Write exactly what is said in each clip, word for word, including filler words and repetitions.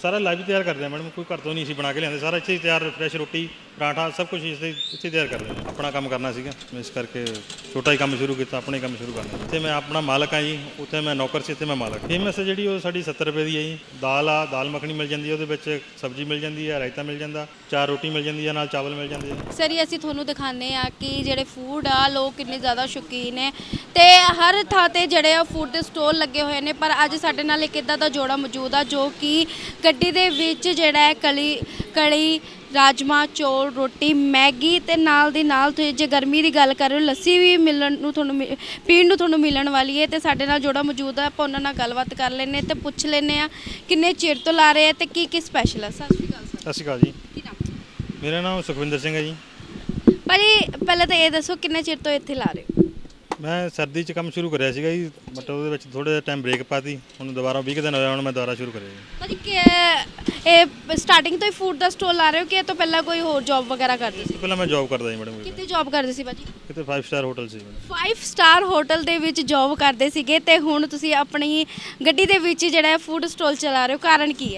ਸਾਰਾ ਲਾਈਵ ਤਿਆਰ ਕਰਦੇ ਆ ਮੈਡਮ, ਕੋਈ ਘਰ ਤੋਂ ਨਹੀਂ ਅਸੀਂ ਬਣਾ ਕੇ ਲਿਆਂਦੇ, ਸਾਰਾ ਇੱਥੇ ਹੀ ਤਿਆਰ, ਫਰੈਸ਼ ਰੋਟੀ ਪਰਾਂਠਾ ਸਭ ਕੁਝ ਇੱਥੇ ਇੱਥੇ ਤਿਆਰ ਕਰਦੇ ਹਾਂ। ਆਪਣਾ ਕੰਮ ਕਰਨਾ ਸੀਗਾ, ਇਸ ਕਰਕੇ ਛੋਟਾ ਹੀ ਕੰਮ ਸ਼ੁਰੂ ਕੀਤਾ, ਆਪਣਾ ਹੀ ਕੰਮ ਸ਼ੁਰੂ ਕਰਨਾ। ਇੱਥੇ ਮੈਂ ਆਪਣਾ ਮਾਲਕ ਹਾਂ ਜੀ, ਉੱਥੇ ਮੈਂ ਨੌਕਰ ਸੀ, ਇੱਥੇ ਮੈਂ ਮਾਲਕ। ਫੇਮਸ ਜਿਹੜੀ ਉਹ ਸਾਡੀ ਸੱਤਰ ਰੁਪਏ ਦੀ ਹੈ ਜੀ। ਦਾਲ ਆ, ਦਾਲ ਮੱਖਣੀ ਮਿਲ ਜਾਂਦੀ ਹੈ, ਉਹਦੇ ਵਿੱਚ ਸਬਜ਼ੀ ਮਿਲ ਜਾਂਦੀ ਹੈ, ਰਾਇਤਾ ਮਿਲ ਜਾਂਦਾ, ਚਾਰ ਰੋਟੀ ਮਿਲ ਜਾਂਦੀ ਹੈ, ਨਾਲ ਚਾਵਲ ਮਿਲ ਜਾਂਦੇ ਆ। ਸਰ ਅਸੀਂ ਤੁਹਾਨੂੰ ਦਿਖਾਉਂਦੇ ਆ ਕਿ ਜਿਹੜੇ ਫੂਡ ਆ ਲੋਕ ਕਿੰਨੇ ਜ਼ਿਆਦਾ ਸ਼ੌਕੀਨ ਨੇ ਤੇ ਹਰ ਥਾਂ ਤੇ ਜਿਹੜੇ ਆ ਫੂਡ ਦੇ ਸਟੋਲ ਲੱਗੇ ਹੋਏ ਨੇ। ਪਰ ਅੱਜ ਸਾਡੇ ਨਾਲ ਇੱਕ ਇੱਦਾਂ ਦਾ ਜੋੜਾ ਮੌਜੂਦ ਆ ਜੋ ਕਿ ਗੱਡੀ ਦੇ ਵਿੱਚ ਜਿਹੜਾ ਹੈ ਕਲੀ ਕੜੀ ਰਾਜਮਾ ਚੌਲ ਰੋਟੀ ਮੈਗੀ ਤੇ ਨਾਲ ਦੀ ਨਾਲ ਤੁਸੀਂ ਜੇ ਗਰਮੀ ਦੀ ਗੱਲ ਕਰ ਰਹੇ ਹੋ ਲੱਸੀ ਵੀ ਮਿਲਣ ਨੂੰ ਤੁਹਾਨੂੰ ਮਿ- ਪੀਣ ਨੂੰ ਤੁਹਾਨੂੰ ਮਿਲਣ ਵਾਲੀ ਹੈ। ਤੇ ਸਾਡੇ ਨਾਲ ਜੋੜਾ ਮੌਜੂਦ ਆ, ਆਪਾਂ ਉਹਨਾਂ ਨਾਲ ਗੱਲਬਾਤ ਕਰ ਲੈਂਦੇ ਤੇ ਪੁੱਛ ਲੈਂਦੇ ਆ ਕਿੰਨੇ ਚਿਰ ਤੋਂ ਲਾ ਰਹੇ ਆ ਤੇ ਕੀ ਕੀ ਸਪੈਸ਼ਲ ਆ। ਸਤਿ ਸ਼੍ਰੀ ਅਕਾਲ ਸਰ। ਸਤਿ ਸ਼੍ਰੀ ਅਕਾਲ ਜੀ, ਕੀ ਨਾਮ ਮੇਰਾ ਨਾਮ ਸੁਖਵਿੰਦਰ ਸਿੰਘ ਹੈ ਜੀ। ਭਾਜੀ ਪਹਿਲਾਂ ਤਾਂ ਇਹ ਦੱਸੋ ਕਿੰਨੇ ਚਿਰ ਤੋਂ ਇੱਥੇ ਲਾ ਰਹੇ ਹੋ? ਮੈਂ ਸਰਦੀ 'ਚ ਕੰਮ ਸ਼ੁਰੂ ਕਰਿਆ ਸੀਗਾ ਜੀ, ਬਟ ਉਹਦੇ ਵਿੱਚ ਥੋੜ੍ਹਾ ਜਿਹਾ ਟਾਈਮ ਬ੍ਰੇਕ ਪਾਤੀ, ਹੁਣ ਦੁਬਾਰਾ ਵੀਹ ਕੁ ਦਿਨ ਹੋਇਆ, ਹੁਣ ਮੈਂ ਦੁਬਾਰਾ ਸ਼ੁਰੂ ਕਰਿਆ ਜੀ। ਭਾਜੀ ਕਿ ਇਹ ਸਟਾਰਟਿੰਗ ਤੋਂ ਹੀ ਫੂਡ ਦਾ ਸਟੋਲ ਲਾ ਰਹੇ ਹੋ ਕਿ ਇਹ ਤੋਂ ਪਹਿਲਾਂ ਕੋਈ ਹੋਰ ਜੌਬ ਵਗੈਰਾ ਕਰਦੇ ਇਸ ਸੀ? ਤੋਂ ਪਹਿਲਾਂ ਮੈਂ ਜੌਬ ਕਰਦਾ ਜੀ ਮੈਡਮ, ਕਿੱਥੇ ਜੌਬ ਕਰਦੇ ਸੀ ਭਾਜੀ? ਕਿਤੇ ਫਾਈਵ ਸਟਾਰ ਹੋਟਲ ਸੀ ਮੈਡਮ। ਫਾਈਵ ਸਟਾਰ ਹੋਟਲ ਦੇ ਵਿੱਚ ਜੌਬ ਕਰਦੇ ਸੀਗੇ ਤੇ ਹੁਣ ਤੁਸੀਂ ਆਪਣੀ ਗੱਡੀ ਦੇ ਵਿੱਚ ਜਿਹੜਾ ਹੈ ਫੂਡ ਸਟੋਲ ਚਲਾ ਰਹੇ ਹੋ, ਕਾਰਨ ਕੀ ਹੈ?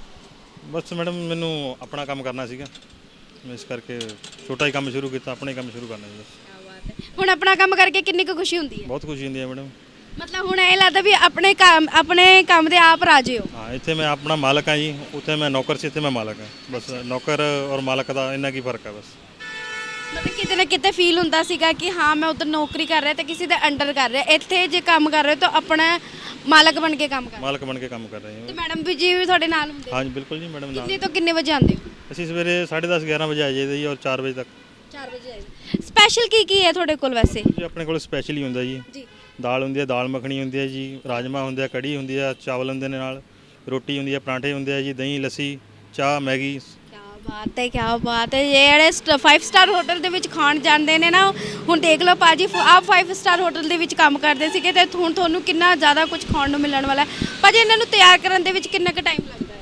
ਬਸ ਮੈਡਮ ਮੈਨੂੰ ਆਪਣਾ ਕੰਮ ਕਰਨਾ ਸੀਗਾ, ਇਸ ਕਰਕੇ ਛੋਟਾ ਹੀ ਕੰਮ ਸ਼ੁਰੂ ਕੀਤਾ, ਆਪਣਾ ਹੀ ਕੰਮ ਸ਼ੁਰੂ ਕਰਨਾ ਜੀ ਬਸ। ਹੁਣ ਆਪਣਾ ਕੰਮ ਕਰਕੇ ਕਿੰਨੀ ਕੁ ਖੁਸ਼ੀ ਹੁੰਦੀ ਹੈ? ਬਹੁਤ ਖੁਸ਼ੀ ਹੁੰਦੀ ਹੈ ਮੈਡਮ। ਮਤਲਬ ਹੁਣ ਇਹ ਲੱਗਦਾ ਵੀ ਆਪਣੇ ਕੰਮ ਆਪਣੇ ਕੰਮ ਦੇ ਆਪ ਰਾਜੇ ਹੋ। ਹਾਂ, ਇੱਥੇ ਮੈਂ ਆਪਣਾ ਮਾਲਕ ਹਾਂ ਜੀ, ਉੱਥੇ ਮੈਂ ਨੌਕਰ ਸੀ, ਇੱਥੇ ਮੈਂ ਮਾਲਕ ਹਾਂ। ਬਸ ਨੌਕਰ ਔਰ ਮਾਲਕ ਦਾ ਇੰਨਾ ਕੀ ਫਰਕ ਹੈ ਬਸ। ਮਤਲਬ ਕਿਤੇ ਨਾ ਕਿਤੇ ਫੀਲ ਹੁੰਦਾ ਸੀਗਾ ਕਿ ਹਾਂ ਮੈਂ ਉਧਰ ਨੌਕਰੀ ਕਰ ਰਿਹਾ ਤੇ ਕਿਸੇ ਦੇ ਅੰਡਰ ਕਰ ਰਿਹਾ, ਇੱਥੇ ਜੇ ਕੰਮ ਕਰ ਰਹੇ ਹੋ ਤਾਂ ਆਪਣਾ ਮਾਲਕ ਬਣ ਕੇ ਕੰਮ ਕਰ ਰਹੇ ਮਾਲਕ ਬਣ ਕੇ ਕੰਮ ਕਰ ਰਹੇ ਹੋ। ਤੇ ਹਾਂ। ਮੈਡਮ ਵੀ ਜੀ ਵੀ ਤੁਹਾਡੇ ਨਾਲ ਹੁੰਦੇ? ਹਾਂਜੀ ਬਿਲਕੁਲ ਜੀ ਮੈਡਮ, ਨਾਲ ਕਿੰਨੇ ਤੋਂ ਕਿੰਨੇ ਵਜੇ ਆਉਂਦੇ ਹੋ? ਅਸੀਂ ਸਵੇਰੇ ਸਾਢੇ ਦਸ ਗਿਆਰਾਂ ਵਜੇ ਆ ਜਾਈਦਾ ਜੀ, ਔਰ ਚਾਰ ਵਜੇ ਤੱਕ। ਚਾਰ ਵਜੇ ਆਏ। ਸਪੈਸ਼ਲ ਕੀ ਕੀ ਹੈ ਤੁਹਾਡੇ ਕੋਲ ਵੈਸੇ? ਜੀ ਆਪਣੇ ਕੋਲ ਸਪੈਸ਼ਲ ਹੀ ਹੁੰਦਾ ਜੀ। ਜੀ ਦਾਲ ਹੁੰਦੀ ਹੈ, ਦਾਲ ਮੱਖਣੀ ਹੁੰਦੀ ਹੈ ਜੀ, ਰਾਜਮਾ ਹੁੰਦੇ ਆ, ਕੜੀ ਹੁੰਦੀ ਆ, ਚਾਵਲ ਹੁੰਦੇ ਨੇ, ਨਾਲ ਰੋਟੀ ਹੁੰਦੀ ਹੈ, ਪਰਾਂਠੇ ਹੁੰਦੇ ਆ ਜੀ, ਦਹੀਂ ਲੱਸੀ ਚਾਹ ਮੈਗੀ। ਕੀ ਬਾਤ ਹੈ, ਕੀ ਬਾਤ ਹੈ। ਜਿਹੜੇ ਫਾਈਵ ਸਟਾਰ ਹੋਟਲ ਦੇ ਵਿੱਚ ਖਾਣ ਜਾਂਦੇ ਨੇ ਨਾ, ਹੁਣ ਦੇਖ ਲਓ ਭਾਜੀ ਆਪ ਫਾਈਵ ਸਟਾਰ ਹੋਟਲ ਦੇ ਵਿੱਚ ਕੰਮ ਕਰਦੇ ਸੀਗੇ ਤੇ ਹੁਣ ਤੁਹਾਨੂੰ ਕਿੰਨਾ ਜ਼ਿਆਦਾ ਕੁਝ ਖਾਣ ਨੂੰ ਮਿਲਣ ਵਾਲਾ ਹੈ। ਭਾਜੀ ਇਹਨਾਂ ਨੂੰ ਤਿਆਰ ਕਰਨ ਦੇ ਵਿੱਚ ਕਿੰਨਾ ਕੁ ਟਾਈਮ ਲੱਗਦਾ ਹੈ?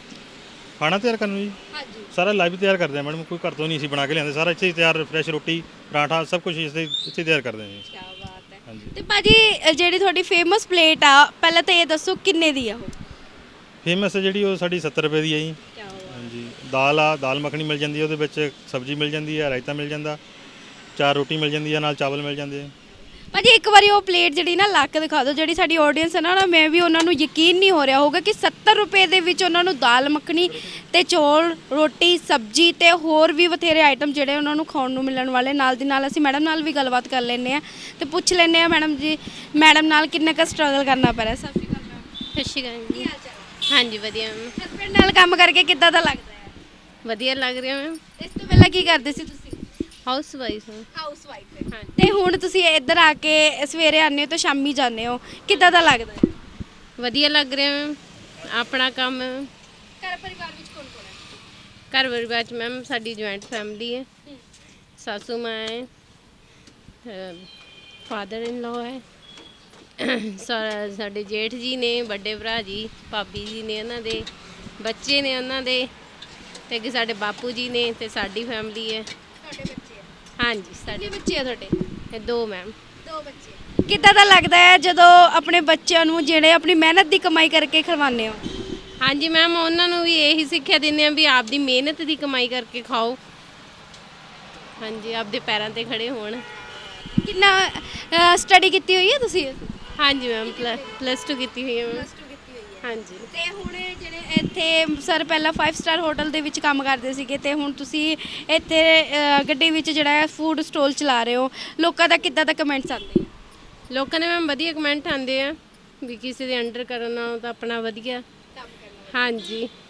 ਖਾਣਾ ਤਿਆਰ ਕਰਨ ਨੂੰ ਜੀ ਹਾਂਜੀ ਸਾਰਾ ਲਾਈਵ ਤਿਆਰ ਕਰਦੇ ਆ ਮੈਡਮ, ਕੋਈ ਘਰ ਤੋਂ ਨਹੀਂ ਅਸੀਂ ਬਣਾ ਕੇ ਲਿਆਂਦੇ, ਸਾਰਾ ਇੱਥੇ ਹੀ ਤਿਆਰ, ਫਰੈਸ਼ ਰੋਟੀ ਪਰਾਂਠਾ ਸਭ ਕੁਝ ਇੱਥੇ ਇੱਥੇ ਤਿਆਰ ਕਰਦੇ ਹਾਂ ਜੀ। ਕੀ ਬਾਤ ਹੈ। ਹਾਂਜੀ ਤੇ ਭਾਜੀ ਜਿਹੜੀ ਤੁਹਾਡੀ ਫੇਮਸ ਪਲੇਟ ਆ ਪਹਿਲਾਂ ਤਾਂ ਇਹ ਦੱਸੋ ਕਿੰਨੇ ਦੀ ਆ ਉਹ? ਫੇਮਸ ਜਿਹੜੀ ਉਹ ਸਾਡੀ ਸੱਤਰ ਰੁਪਏ ਦੀ ਹੈ ਜੀ। ਕੀ ਬਾਤ। ਹਾਂਜੀ, ਦਾਲ ਆ, ਦਾਲ ਮੱਖਣੀ ਮਿਲ ਜਾਂਦੀ ਹੈ, ਉਹਦੇ ਵਿੱਚ ਸਬਜ਼ੀ ਮਿਲ ਜਾਂਦੀ ਹੈ, ਰਾਇਤਾ ਮਿਲ ਜਾਂਦਾ, ਚਾਰ ਰੋਟੀ ਮਿਲ ਜਾਂਦੀ ਹੈ, ਨਾਲ ਚਾਵਲ ਮਿਲ ਜਾਂਦੇ ਆ। ਭਾਜੀ ਇੱਕ ਵਾਰੀ ਉਹ ਪਲੇਟ ਜਿਹੜੀ ਨਾ ਲਾ ਕੇ ਦਿਖਾ ਦਿਓ, ਜਿਹੜੀ ਸਾਡੀ ਆਡੀਅנס ਹੈ ਨਾ ਨਾ ਮੈਂ ਵੀ ਉਹਨਾਂ ਨੂੰ ਯਕੀਨ ਨਹੀਂ ਹੋ ਰਿਹਾ ਹੋਊਗਾ ਕਿ ਸੱਤਰ ਰੁਪਏ ਦੇ ਵਿੱਚ ਉਹਨਾਂ ਨੂੰ ਦਾਲ ਮੱਖਣੀ ਤੇ ਚੌਲ ਰੋਟੀ ਸਬਜ਼ੀ ਤੇ ਹੋਰ ਵੀ ਬਥੇਰੇ ਆਈਟਮ ਜਿਹੜੇ ਉਹਨਾਂ ਨੂੰ ਖਾਣ ਨੂੰ ਮਿਲਣ ਵਾਲੇ। ਨਾਲ ਦੀ ਨਾਲ ਅਸੀਂ ਮੈਡਮ ਨਾਲ ਵੀ ਗੱਲਬਾਤ ਕਰ ਲੈਂਦੇ ਆ ਤੇ ਪੁੱਛ ਲੈਂਦੇ ਆ ਮੈਡਮ ਜੀ ਮੈਡਮ ਨਾਲ ਕਿੰਨਾ ਕੁ ਸਟਰਗਲ ਕਰਨਾ ਪੈ ਰਿਹਾ। ਸਤਿ ਸ਼੍ਰੀ ਅਕਾਲ ਮੈਮ। ਸਤਿ ਸ਼੍ਰੀ ਅਕਾਲ ਕੀ ਜੀ। ਹਾਲ ਚਾਲ? ਹਾਂਜੀ ਵਧੀਆ ਮੈਮ, ਹਸਬੈਂਡ ਨਾਲ ਕੰਮ ਕਰਕੇ ਕਿੱਦਾਂ ਦਾ ਲੱਗਦਾ ਹੈ? ਵਧੀਆ ਲੱਗ ਰਿਹਾ ਮੈਮ। ਇਸ ਤੋਂ ਪਹਿਲਾਂ ਕੀ ਕਰਦੇ ਸੀ ਤੁਸੀਂ? ਹਾਊਸ ਵਾਈਫ ਹਾਂ। ਹਾਊਸ ਵਾਈਫ ਹਾਂ। ਤੇ ਹੁਣ ਤੁਸੀਂ ਇੱਧਰ ਆ ਕੇ ਸਵੇਰੇ ਆਉਂਦੇ ਹੋ ਤੇ ਸ਼ਾਮੀ ਜਾਂਦੇ ਹੋ, ਕਿੱਦਾਂ ਦਾ ਲੱਗਦਾ ਹੈ? ਵਧੀਆ ਲੱਗ ਰਿਹਾ ਮੈਮ, ਆਪਣਾ ਕੰਮ। ਘਰ ਪਰਿਵਾਰ ਵਿੱਚ ਕੌਣ ਕੌਣ ਹੈ? ਘਰ ਪਰਿਵਾਰ 'ਚ ਮੈਮ ਸਾਡੀ ਜੁਆਇੰਟ ਫੈਮਿਲੀ ਹੈ। ਸਾਸੂ ਮਾਂ ਹੈ, ਫਾਦਰ ਇਨ ਲਾਅ ਹੈ, ਸਾ- ਸਾਡੇ ਜੇਠ ਜੀ ਨੇ, ਵੱਡੇ ਭਰਾ ਜੀ, ਭਾਬੀ ਜੀ ਨੇ, ਉਹਨਾਂ ਦੇ ਬੱਚੇ ਨੇ ਉਹਨਾਂ ਦੇ, ਤੇ ਅੱਗੇ ਸਾਡੇ ਬਾਪੂ ਜੀ ਨੇ ਤੇ ਸਾਡੀ ਫੈਮਿਲੀ ਹੈ। ਤੁਹਾਡੇ ਬੱਚੇ ਆ? ਹਾਂਜੀ ਕਿੰਨੇ ਸਾਡੇ ਬੱਚੇ ਆ ਤੁਹਾਡੇ? ਇਹ ਦੋ ਮੈਮ। ਦੋ ਬੱਚੇ। ਕਿੱਦਾਂ ਦਾ ਲੱਗਦਾ ਹੈ ਜਦੋਂ ਆਪਣੇ ਬੱਚਿਆਂ ਨੂੰ ਜਿਹੜੇ ਆਪਣੀ ਮਿਹਨਤ ਦੀ ਕਮਾਈ ਕਰਕੇ ਖਿਲਵਾਉਂਦੇ ਹੋ? ਹਾਂਜੀ ਮੈਮ, ਉਹਨਾਂ ਨੂੰ ਵੀ ਇਹੀ ਸਿੱਖਿਆ ਦਿੰਦੇ ਆ ਵੀ ਆਪਦੀ ਮਿਹਨਤ ਦੀ ਕਮਾਈ ਕਰਕੇ ਖਾਓ। ਹਾਂਜੀ, ਆਪਦੇ ਪੈਰਾਂ ਤੇ ਖੜੇ ਹੋਣ। ਕਿੰਨਾ ਸਟੱਡੀ ਕੀਤੀ ਹੋਈ ਹੈ ਤੁਸੀਂ? ਹਾਂਜੀ ਮੈਮ, ਪਲੱਸ ਟੂ ਕੀਤੀ ਹੋਈ ਹੈ ਮੈਮ। ਹਾਂਜੀ ਤੇ ਹੁਣ ਜਿਹੜੇ ਇੱਥੇ ਸਰ ਪਹਿਲਾਂ ਫਾਈਵ ਸਟਾਰ ਹੋਟਲ ਦੇ ਵਿੱਚ ਕੰਮ ਕਰਦੇ ਸੀਗੇ ਤੇ ਹੁਣ ਤੁਸੀਂ ਇੱਥੇ ਅ, ਗੱਡੀ ਵਿੱਚ ਜਿਹੜਾ ਹੈ ਫੂਡ ਸਟੋਲ ਚਲਾ ਰਹੇ ਹੋ, ਲੋਕਾਂ ਦਾ ਕਿੱਦਾਂ ਦਾ ਕਮੈਂਟਸ ਆਉਂਦੇ ਆ? ਲੋਕਾਂ ਨੇ ਮੈਮ ਵਧੀਆ ਕਮੈਂਟ ਆਉਂਦੇ ਆ ਵੀ ਕਿਸੇ ਦੇ ਅੰਡਰ ਕਰਨ ਨਾਲੋਂ ਤਾਂ ਆਪਣਾ ਵਧੀਆ। ਹਾਂਜੀ